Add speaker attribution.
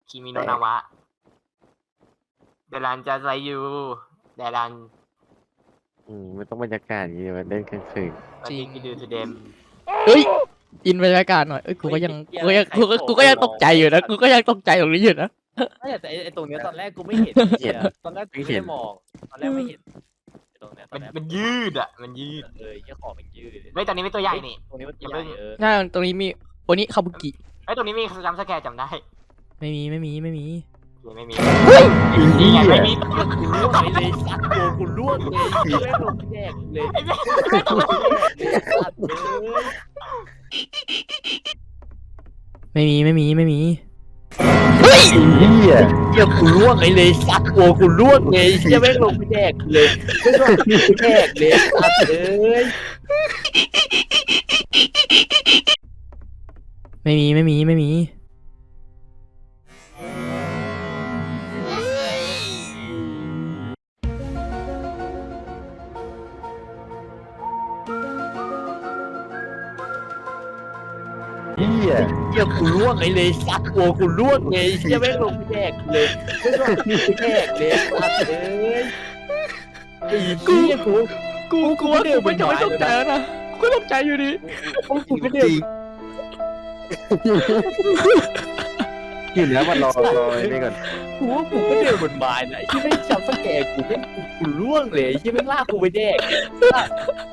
Speaker 1: คิมิโนะนาวะเดรันจะไซยูเดรัน
Speaker 2: ไม่ต้องบรรยากาศอย่างนี้มันเล่นกลางคืน
Speaker 1: วันนี้กิดูทูเดม
Speaker 3: เฮ้ยอินบรรยากาศหน่อยกูก็ยังตกใจอยู่นะกูก็ยังตกใจตรงนี้อยู่นะ
Speaker 4: ไม่แต่ไอ้ตรงเนี้ยตอนแรกกูไม่เห็นตอนแรกกูไม่ได้มองตอนแรกไม่เห็นไอ้ตรงเนี้ยตอนแรก
Speaker 1: มันยืดอ่ะมันยืด
Speaker 4: เหี้ยของมันยืด
Speaker 1: ไม่ตอนนี้ไม่ตัวใหญ่นี่
Speaker 4: ตรงนี้มัน
Speaker 1: อย่า
Speaker 4: ให
Speaker 1: เพิ่
Speaker 4: ญ่
Speaker 1: ง
Speaker 3: ใช่ตรงนี้มีโอนิคาบุกิ
Speaker 1: ตรงนี้มีจำสแกร์จำได้
Speaker 3: ไม่มี
Speaker 1: ไม่มี
Speaker 4: นี่
Speaker 1: นี่ไงไม่มี
Speaker 4: กูล่วงเลยสัตว์ตัวกูล่วงเลยไม่ลงแยกเลย
Speaker 1: ไอ้แม่
Speaker 4: สัตว์เลย
Speaker 3: ไม่มี
Speaker 2: เฮีย
Speaker 4: เหี้ยกูล่วงเลยสัตว์ตัวกูล่วงเลยเหี้ยไม่ลงแยกเลยไม่ลงแยกเลยสัตว์เลย
Speaker 3: ไม่มี
Speaker 2: เฮีย
Speaker 4: เหี้ยกูล่วงเลยสัตว์ตัวกูล่วงเลยเหี้ยไม่ลงแยกเลยไม่ลงแยกเลยสัตว์เลยไอ้เหี้ยกู
Speaker 3: กูว่ากูไม่จะไม่ตกใจแล้วนะกูก็ตกใจอยู่ดี
Speaker 4: กูไม่ได้
Speaker 2: อยู่แล้วมันรอนี่ก่อน
Speaker 4: กูว่ากูก็เดินบนไม้นะที่ไม่จำสแกกูไม่กูล่วงเลยที่ไม่ลากกูไปแดก